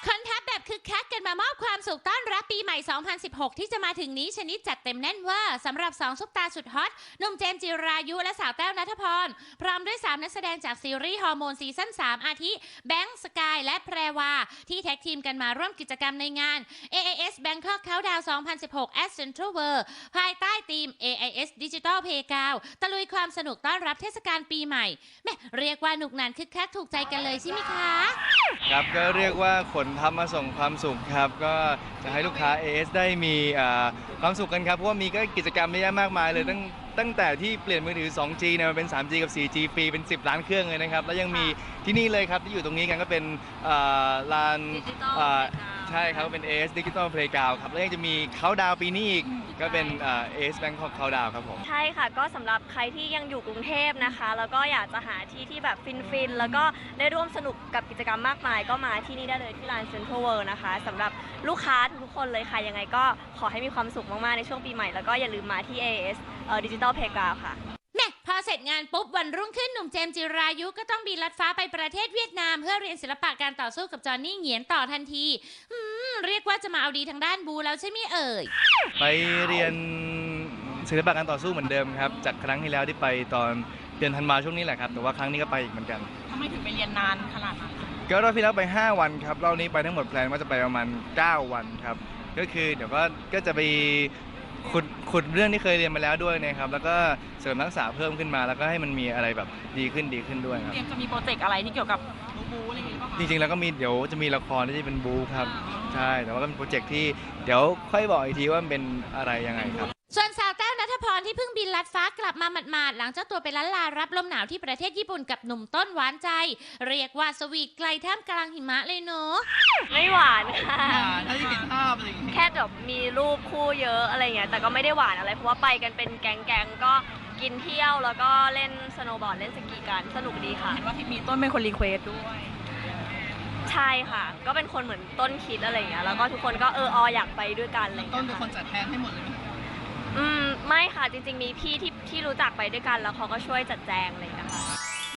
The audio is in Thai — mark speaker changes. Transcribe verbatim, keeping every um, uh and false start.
Speaker 1: คนทัพแบบคึกคักกันมามอบความสุขต้อนรับปีใหม่ สองพันสิบหก ที่จะมาถึงนี้ชนิดจัดเต็มแน่นเวอร์สำหรับสองซุปตาสุดฮอตหนุ่มเจมส์จิรายุและสาวแต้วณัฐพรพร้อมด้วยสามนักแสดงจากซีรีส์ฮอร์โมนซีซั่น สาม อาทิแบงค์สกายและแพรวาที่แท็กทีมกันมาร่วมกิจกรรมในงาน เอ ไอ เอส Bangkok Countdown สองพันสิบหก at Central World ภายใต้ธีม เอ ไอ เอส Digital Playground ตะลุยความสนุกต้อนรับเทศกาลปีใหม่แม่เรียกว่าหนุกหนานคึกคักถูกใจกันเลยใช่ไหมคะ
Speaker 2: ครับก็เรียกว่าขนทัพมาส่งความสุขครับก็จะให้ลูกค้า เอ เอส ได้มีความสุขกันครับเพราะว่ามีก็กิจกรรมเยอะแยะมากมายเลยตั้งตั้งแต่ที่เปลี่ยนมือถือ สองจี เนี่ยมาเป็น สามจี กับ โฟร์จี ฟรีเป็นสิบล้านเครื่องเลยนะครับแล้วยังมีที่นี่เลยครับที่อยู่ตรงนี้กันก็เป็นลานใช่ครับเป็น เอ เอส Digital Playground ครับแล้วยังจะมีเขาดาวปีนี้อีกก็เป็น เอ เอ เอส Bangkok Countdown ครับผม
Speaker 3: ใช่ค่ะก็สำหรับใครที่ยังอยู่กรุงเทพนะคะแล้วก็อยากจะหาที่ที่แบบฟินๆแล้วก็ได้ร่วมสนุกกับกิจกรรมมากมายก็มาที่นี่ได้เลยที่ลาน Central World นะคะสำหรับลูกค้าทุกๆคนเลยค่ะยังไงก็ขอให้มีความสุขมากๆในช่วงปีใหม่แล้วก็อย่าลืมมาที่ เอ เอ เอส Digital Playground ค่ะ
Speaker 1: แม่พอเสร็จงานปุ๊บวันรุ่งขึ้นหนุ่มเจมส์จิรายุก็ต้องบินลัดฟ้าไปประเทศเวียดนามเพื่อเรียนศิลปะการต่อสู้กับจอห์นนี่เหงียนต่อทันทีอืมเรียกว่าจะมาเอาดีทางด้านบูแล้วใช่ไหมเอ่ย
Speaker 2: ไปเรียนศิลปะการต่อสู้เหมือนเดิมครับจากครั้งที่แล้วที่ไปตอนเดือนธันวาช่วงนี้แหละครับแต่ว่าครั้งนี้ก็ไปอีกเหมือนกัน
Speaker 4: ทำไมถึงไปเรียนนานขนาดนั้น
Speaker 2: ก็รอบที่แล้วไปห้าวันครับรอบนี้ไปทั้งหมดแพลนว่าจะไปประมาณเก้าวันครับก็คือเดี๋ยวก็ก็จะไปขุดขุดเรื่องที่เคยเรียนมาแล้วด้วยนะครับแล้วก็เสริมทักษะเพิ่มขึ้นมาแล้วก็ให้มันมีอะไรแบบดีขึ้นดีขึ้นด้วยครับ
Speaker 4: เตรียมจะมีโปรเจกต์อะไรที่เกี่ยวกับบูอะไรอย่างเงี้ย
Speaker 2: จริงๆแล้วก็มีเดี๋ยวจะมีละครที่จะเป็นบูครับใช่แต่ว่าก็เป็นโปรเจกต์ที่เดี๋ยวค่อยบอกอีกทีว่ามันเป็นอะไรยังไงครับ
Speaker 1: ส่วนสาวแต้วณัฐพรที่เพิ่งบินลัดฟ้ากลับมาหมาดๆหลังเจ้าตัวไปล้านลารับลมหนาวที่ประเทศญี่ปุ่นกับหนุ่มต้นหวานใจเรียกว่าสวีทไกลท่ามกลางหิมะเลยเนาะ
Speaker 3: ไม่หวานค่ะ
Speaker 4: ถ้าที่เห็นภาพอะไรอย่างเงี้ย
Speaker 3: แค่แบบมีรูปคู่เยอะอะไรเงี้ยแต่ก็ไม่ได้หวานอะไรเพราะว่าไปกันเป็นแก๊งๆก็กินเที่ยวแล้วก็เล่นสโนว์บอร์ดเล่นสกีกันสนุกดีค่ะ
Speaker 4: เห็นว่าที่มีต้นเป็นคนรีเควสด้วย
Speaker 3: ใช่ค่ะก็เป็นคนเหมือนต้นคิดอะไรเงี้ยแล้วก็ทุกคนก็เออออยากไปด้วยกันอะไร
Speaker 4: ต้นเป็นคนจัดแทนให้หมดเลย
Speaker 3: อืมไม่ค่ะจริงๆมีพี่ที่ที่รู้จักไปด้วยกันแล้วเขาก็ช่วยจัดแจงอะไรอย่างเงี้ยค่ะ